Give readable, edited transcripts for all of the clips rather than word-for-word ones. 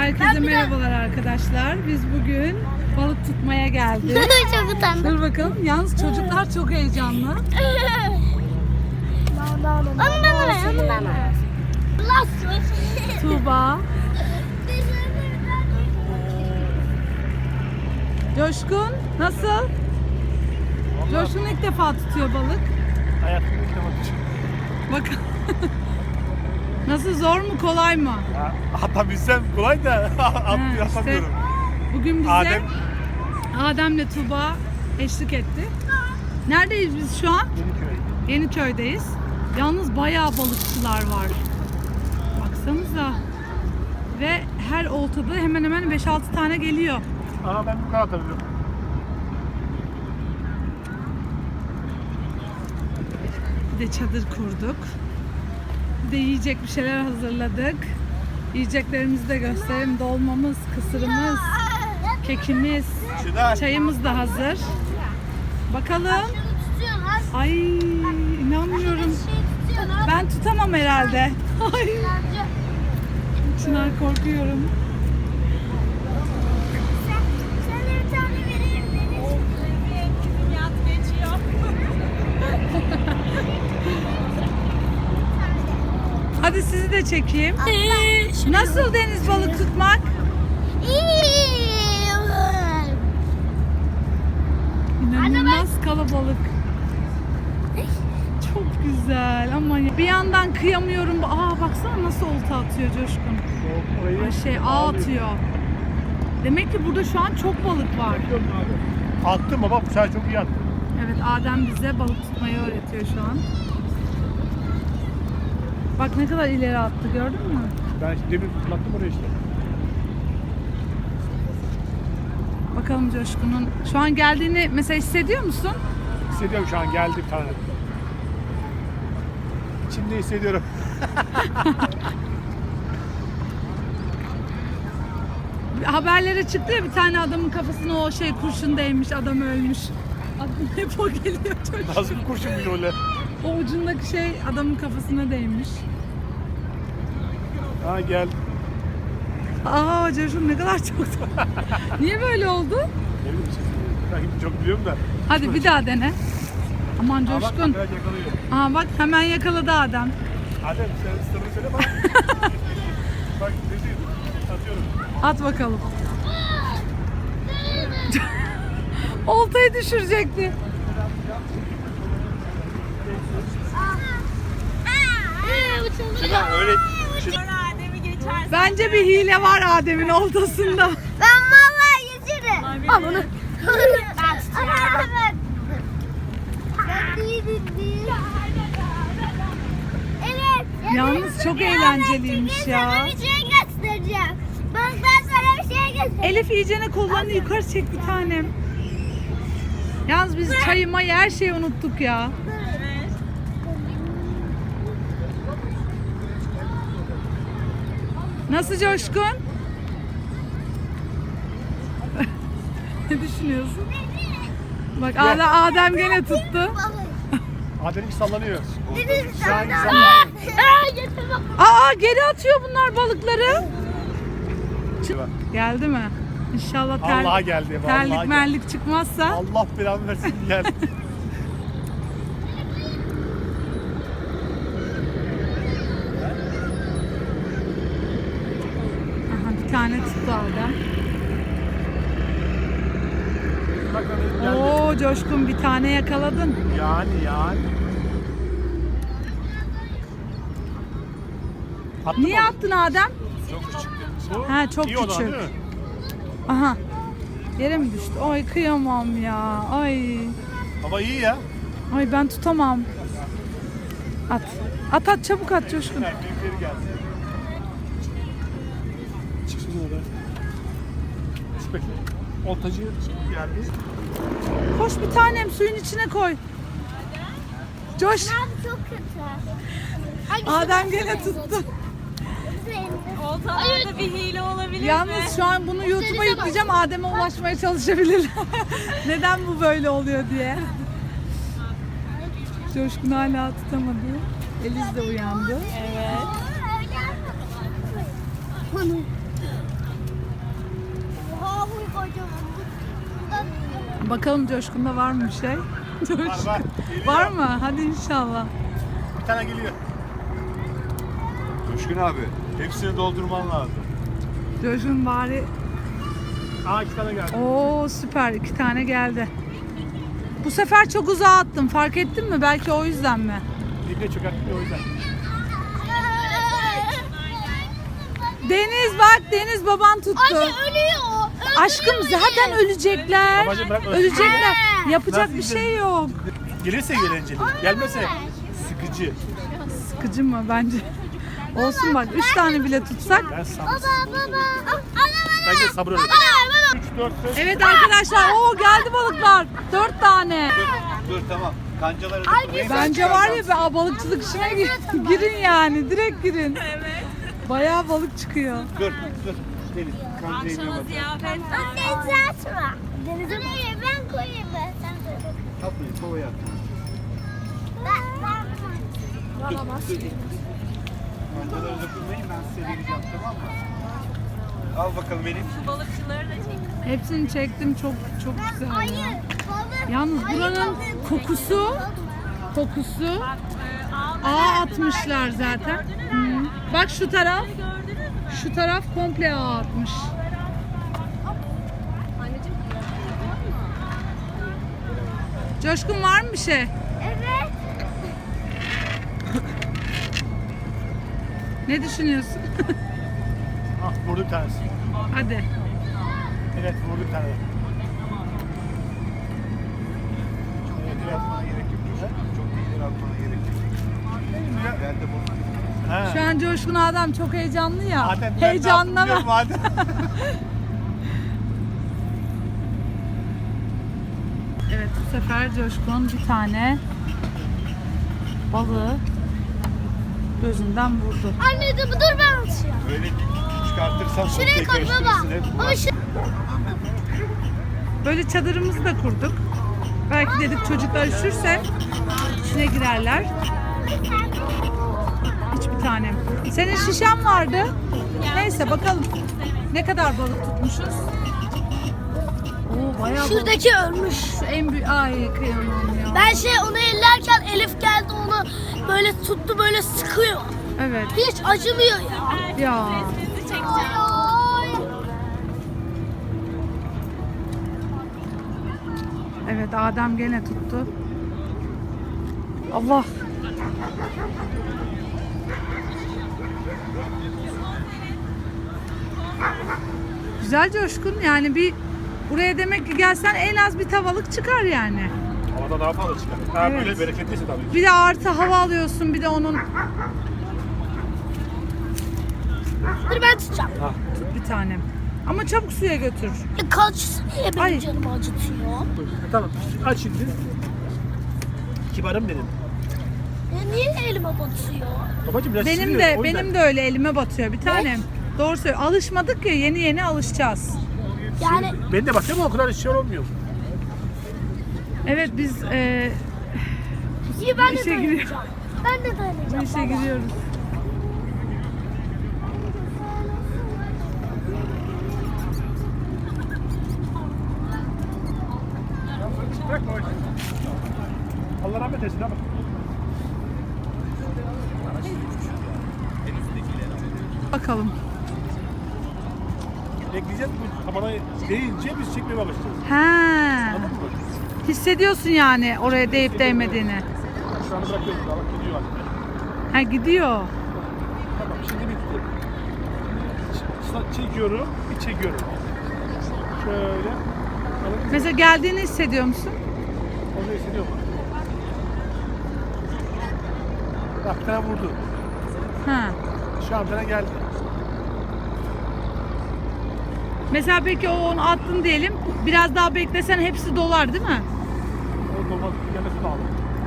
Herkese merhabalar arkadaşlar. Biz bugün balık tutmaya geldik. Çok utandım. Dur bakalım. Yalnız çocuklar çok heyecanlı. Onu bana ver, onu bana ver. Tuğba, Coşkun nasıl? Coşkun ilk defa tutuyor balık. Hayatımda ilk defa tutacağım. Bak. Nasıl, zor mu kolay mı? Atabilsem kolay da Ha, atamıyorum. Bugün bize Adem. Adem'le Tuğba eşlik etti. Neredeyiz biz şu an? Yeniköy. Yeniköy'deyiz. Yalnız bayağı balıkçılar var. Baksanıza. Ve her oltada hemen hemen 5-6 tane geliyor. Aha ben bu kadar atabiliyorum. Bir de çadır kurduk. Bir de yiyecek bir şeyler hazırladık. Yiyeceklerimizi de gösterelim. Dolmamız, kısırımız, kekimiz, çayımız da hazır. Bakalım. Ay, inanmıyorum. Ben tutamam herhalde. Ay, Çınar, korkuyorum. Hadi sizi de çekeyim. Nasıl deniz balık tutmak? İnanılmaz kalabalık. Çok güzel ama bir yandan kıyamıyorum. Baksana nasıl olta atıyor Coşkun. Orayı Ağ atıyor. Demek ki burada şu an çok balık var. attım baba, bu sefer çok iyi attım. Evet, Adem bize balık tutmayı öğretiyor şu an. Bak ne kadar ileri attı, gördün mü? Ben demin fırlattım oraya işte. Bakalım Coşkun'un şu an geldiğini mesela hissediyor musun? Hissediyorum, şu an geldi bir tane. İçimde hissediyorum. Haberlere çıktı ya, bir tane adamın kafasına o kurşun değmiş, adam ölmüş. Aklıma hep o geliyor çocuk. Nasıl bir kurşun bile öyle. O ucundaki adamın kafasına değmiş. Ha gel. Coşkun ne kadar çok. Niye böyle oldu? Ne bileyim, ben çok biliyorum da. Hadi bir daha dene. Aman Ha, bak, Coşkun. biraz yakalıyor. Bak hemen yakaladı Adem. Adem sen sırrını söyle bana. Bak ne diyeyim, atıyorum. At bakalım. Oltayı düşürecekti. Şuna öyle. Bence bir hile var Adem'in oltasında. Ben vallahi yüzürüm. Al bunu. Ben tutuyorum. Evet. Yalnız çok eğlenceliymiş ya. Sana bir şey göstereceğim. Bak ben sana bir şey göstereceğim. Elif iyicene kollarını yukarı çek bir tanem. Yalnız biz çayı mayı her şeyi unuttuk ya. Nasıl Coşkun? Ne düşünüyorsun? Bak Adem gene tuttu. Adem bir sallanıyor. Şu an Geri atıyor bunlar balıkları. Geldi mi? İnşallah Vallahi geldi, vallahi terlik geldi. merlik çıkmazsa. Allah belanı versin, geldi. Aha, bir tane tuttu Adem. Bak geldi. Oo Coşkun, bir tane yakaladın. Yani. Attın Niye mı? attın Adem? Çok küçük. Çok İyi o zaman, küçük. değil mi? Aha. Yere mi düştü? Ay kıyamam ya. Ay. Ama iyi ya. Ay ben tutamam. At çabuk at Coşkun. Büyükleri geldi. Çıksın orada. Şu bekle. Oltacı geldi. Koş bir tanem, suyun içine koy. Coş. çok kötü. Adem gene tuttu. Oltalarda bir hile olabilir mi? Yalnız şu an bunu YouTube'a yükleyeceğim. Adem'e ulaşmaya çalışabilirler. Neden bu böyle oluyor diye. Coşkun hala tutamadı. Eliz de uyandı. Evet. Bakalım Coşkun'da var mı bir şey? Coşkun. Var. Geliyor. Var mı? Hadi inşallah. Bir tane geliyor. Coşkun abi, hepsini doldurman lazım. Coşkun bari. Aa 2 tane geldi. Oo süper, 2 tane geldi. Bu sefer çok uzağa attım. Fark ettin mi? Belki o yüzden mi? Dibine çökertmiyor o yüzden. Deniz bak, Deniz baban tuttu. Anne ölüyor. Aşkım zaten ölecekler. Babacım bırak ölsün. Ölecekler. Yapacak Nasıl bir izledin? şey yok. Gelirse eğlenceli. Gelmese sıkıcı. Sıkıcı mı bence? Olsun bak 3 tane bile tutsak. Ben sabır. Baba. Bence sabır öyle. 3, 4, 5. Evet arkadaşlar o geldi balıklar. 4 tane. Dur tamam. Kancaları dokunmayın. Bence var ya be balıkçılık işine girin yani. Direkt girin. Evet. Bayağı balık çıkıyor. Dur. Deniz, kancayı Anne uzatma. Denize ben koyayım ben. Sen koy. Atmayın, kovaya at. Kancaları dokunmayın, ben size vereceğim, tamam mı? Al bakalım Elif. Hepsini çektim çok güzel. ya. Hayır. Balık. Yalnız buranın kokusu ağ atmışlar zaten. Hı. Bak şu taraf. Şu taraf komple ağ atmış. Coşkun var mı bir şey? Evet. Ne düşünüyorsun? Ah vurdu bir tanesi. Hadi. Evet vurdu bir tane. Evet, atmana gerek yok. Çok ileri atmana gerek yok. Ben de bunu Ha. Şu an Coşkun adam çok heyecanlı ya. Adem, ben Heyecanla ne yaptım bak. bilmiyorum, Adem. Evet bu sefer Coşkun bir tane balığı gözünden vurdu. Anne dur ben atacağım. böyle çıkartırsan çok Şuraya koy baba. tekleştirirsin hep. Ama şu Böyle çadırımızı da kurduk. Belki dedik çocuklar üşürse içine girerler. Hiçbir tanem. Senin şişen vardı. Neyse bakalım. Ne kadar balık tutmuşuz? Oo bayağı balık. şuradaki ölmüş. Şu en büyük... Ay kıyamam ya. Ben onu ellerken Elif geldi onu böyle tuttu böyle sıkıyor. Evet. Hiç acımıyor ya. Ya. Evet Adem gene tuttu. Allah. Güzel Coşkun yani bir buraya demek ki gelsen en az bir tavalık çıkar yani. Havada daha fazla çıkar. Ha Evet. böyle bereketliyse tabii. Bir de artı hava alıyorsun bir de onun Dur ben tutacağım. tut bir tanem. Ama çabuk suya götür. Kaçsın diye benim Ay. canımı acıtıyor. Tamam aç şimdi. Kibarım benim. Niye elime batıyor? Babacım biraz Benim siliyor, de o yüzden. benim de öyle elime batıyor bir tanem. Doğru söylüyor. Alışmadık ya yeni alışacağız. Yani Benim de bakıyorum ama o kadar şey olmuyor. Evet biz iyi ben de İşe giriyor. dayanacağım. Ben de bu dayanacağım. işe baba. giriyoruz. Bırak babacım. Allah rahmet eylesin ama. Bakalım. Bekleyeceğiz bu tabana değince biz çekmeye başlayacağız. Ha. Anladın mı? Hissediyorsun yani oraya değip değmediğini. Şu an bırakıyoruz daha bak gidiyor artık. Ha gidiyor. Tamam şimdi bitti. Çekiyorum, bir çekiyorum. Şöyle. Anladın mı? Mesela geldiğini hissediyor musun? Onu hissediyor mu? Bak bir tane vurdu. Ha. Şu an bir tane geldi. Mesela peki o onu attın diyelim. Biraz daha beklesen hepsi dolar değil mi? O dolmaz gelmesi lazım.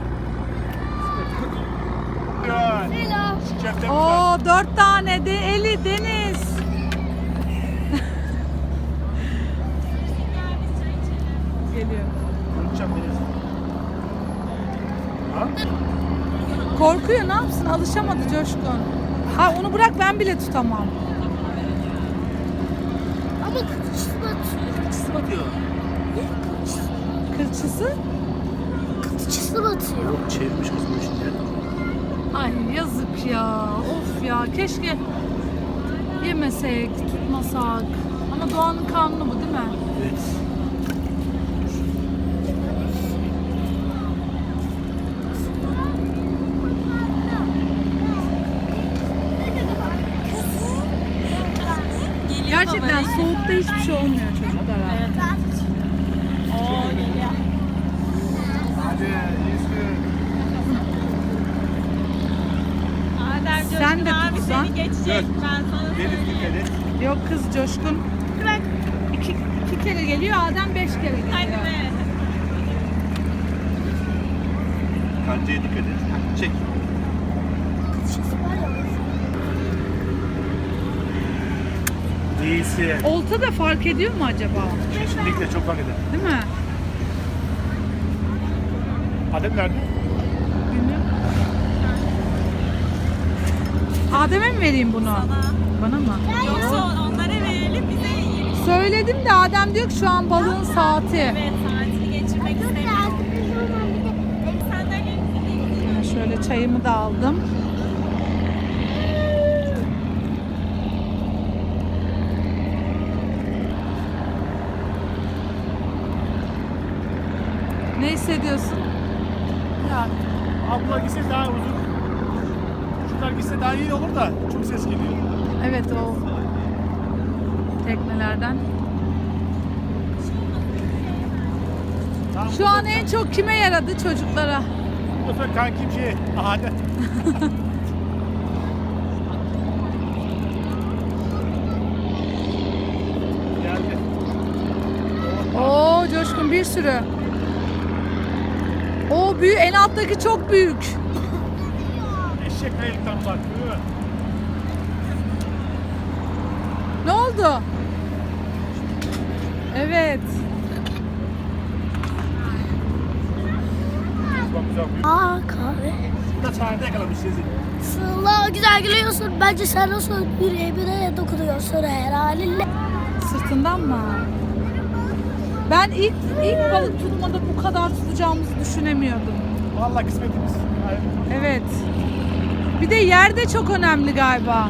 Yani. Selam. Cepten Oo 4 tane de Eli Deniz. Geliyor. Unutacağım deniz. Ha? Korkuyor ne yapsın? Alışamadı Coşkun. Ha onu bırak ben bile tutamam. Ama kıçısı batıyor. Kısım atıyor. Kılçısı? Kılçısı batıyor. Yok çevirmiş kız bu içinde. Ay yazık ya. Of ya. Keşke yemesek, tutmasak. Ama doğanın kanunu bu değil mi? Evet. Gerçekten soğukta hiçbir şey olmuyor çocuklara. Hadi yüzü. Adem Coşkun Sen de abi tutsan. seni geçecek. Ben sana Deniz dikkat et. Yok kız Coşkun. İki kere geliyor, Adem 5 kere geliyor. hadi be. Kancaya dikkat et. Çek. Değilsin. Olta da fark ediyor mu acaba? Kesinlikle çok fark eder. Değil mi? Adem nerede? Bilmiyorum. Adem'e mi vereyim bunu? Bana mı? Yoksa onlara verelim bize yiyelim. Söyledim de Adem diyor ki şu an balığın saati. Evet saatini geçirmek istemiyorum. Sandalye Şöyle çayımı da aldım. Ne hissediyorsun? Ya abla gitse daha uzun. Şunlar gitse daha iyi olur da çok ses geliyor. Evet o teknelerden. Tamam, Şu an en çok kime yaradı? Çocuklara. bu sefer kankim Adem. Geldi. Oo Coşkun bir sürü. O büyük, en alttaki çok büyük. Eşek ayıktan bak. Değil mi? Ne oldu? Evet. Bak güzel. Aa kahve. Bu da çağrıda yakalamış sizi. Sıla güzel gülüyorsun. Bence sen nasıl yüreğime dokunuyorsun her halinle. Sırtından mı? Ben ilk balık tutmada bu kadar tutacağımızı düşünemiyordum. Vallahi kısmetimiz. Aynen. Evet. Bir de yer de çok önemli galiba.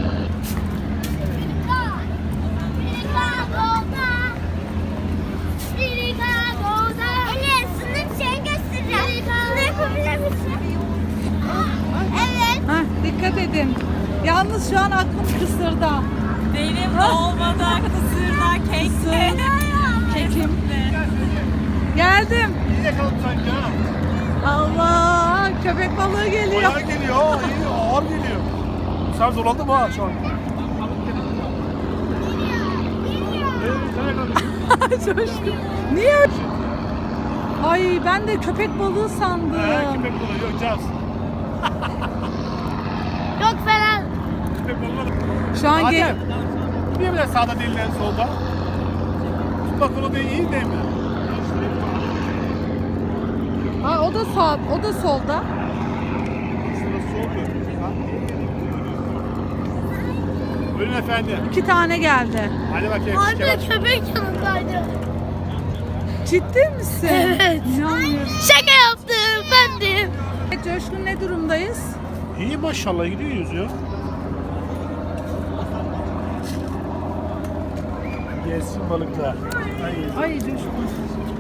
Evet. Hah, dikkat edin. Yalnız şu an aklım kısırda. benim dolmada, kısırda, kekte. Kekim. Geldim. İyi yakaladım sanki ha. Allah, köpek balığı geliyor. Bayağı geliyor. İyi, ağır geliyor. Sen zorlandın mı ha şu an? Sen yakaladın. Coşkun. Niye öyle? Ay ben de köpek balığı sandım. Köpek balığı yok Caz. Yok falan. Köpek balığı. Şu an Adem. Niye böyle sağda değil en solda? Bak onu da iyi değil mi? Ha, o da sağ, o da solda. Şurası soldu. Buyurun efendim. 2 tane geldi. Hadi bakayım. Anne köpek yanındaydı. Ciddi misin? Evet. İnanmıyorum. Şaka yaptım efendim. Coşkun ne durumdayız? İyi maşallah gidiyoruz ya. Gelsin balıklar. Ay. Ay Coşkun.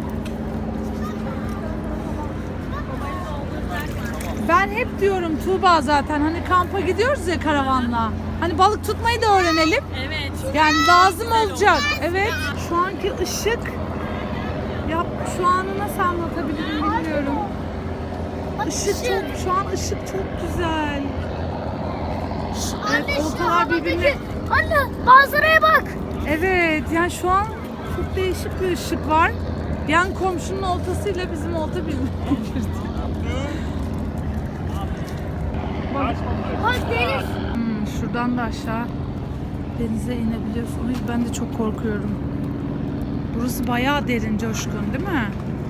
Ben hep diyorum Tuğba zaten hani kampa gidiyoruz ya karavanla. Hani balık tutmayı da öğrenelim. Evet. Yani lazım olacak. Evet. Şu anki ışık ya şu anı nasıl anlatabilirim bilmiyorum. Işık çok, şu an ışık çok güzel. Evet, oltalar birbirine. Anne manzaraya bak. Evet, yani şu an çok değişik bir ışık var. Yan komşunun oltasıyla bizim olta birbirine girdi. Bak deniz. Şuradan da aşağı denize inebiliyorsunuz. Ben de çok korkuyorum. Burası bayağı derin Coşkun değil mi?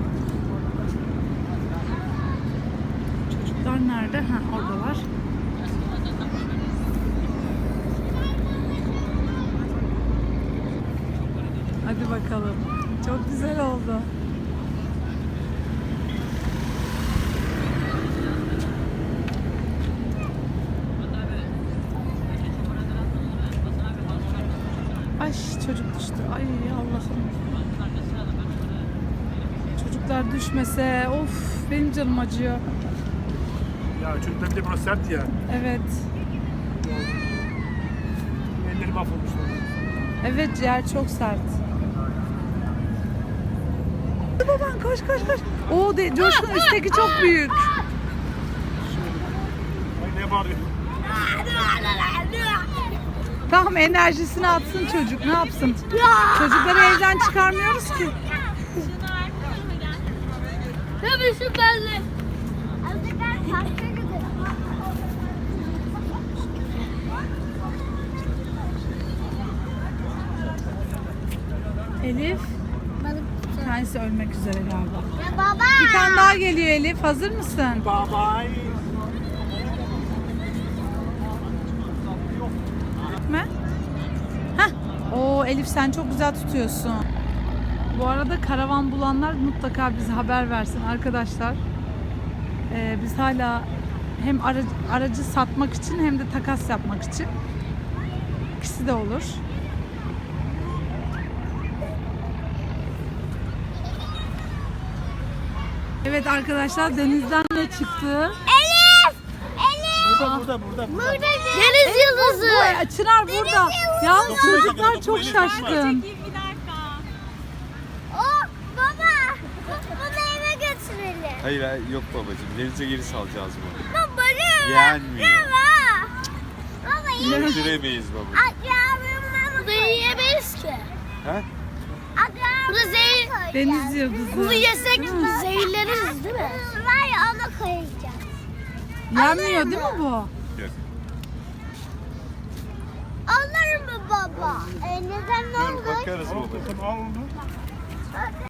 Çocuklar nerede? Ha, oradalar. Hadi bakalım. Çok güzel oldu. Ay çocuk düştü. Ay Allah'ım. Çocuklar düşmese of benim canım acıyor. Ya çocuklar bir de burası sert ya. Evet. Elleri mahvolmuş. Evet yer çok sert. Baban koş koş koş. Oo Coşkun üstteki çok büyük. Ay ne bağırıyor? Tamam enerjisini atsın çocuk ne yapsın? Çocukları evden çıkarmıyoruz ki. Tabii şu belli. Azıcık parka gidelim. Elif. Bir tanesi ölmek üzere galiba. Ya baba. Bir tane daha geliyor Elif. Hazır mısın? Bye bye. Gitme. Heh. Oo Elif sen çok güzel tutuyorsun. Bu arada karavan bulanlar mutlaka bize haber versin arkadaşlar. Biz hala hem aracı satmak için hem de takas yapmak için. İkisi de olur. Evet arkadaşlar denizden ne çıktı? Elif! Elif! Burada. Deniz yıldızı. Çınar burada. Yalnız çocuklar çok şaşkın. Çekeyim bir dakika. Oh baba. Bunu eve götürelim. Hayır yok babacığım. Denize geri salacağız bunu. Baba. Yenmiyor. Baba iyi. Götüremeyiz baba. Bunu yiyemeyiz ki. Ha? Bu da zehir. Deniz yıldızı. Bunu yesek zehirleriz değil mi? Var ya ona koyacağız. Yenmiyor değil mi bu? Yok. Alır mı baba? Neden ne oldu? Bakarız baba. Al onu.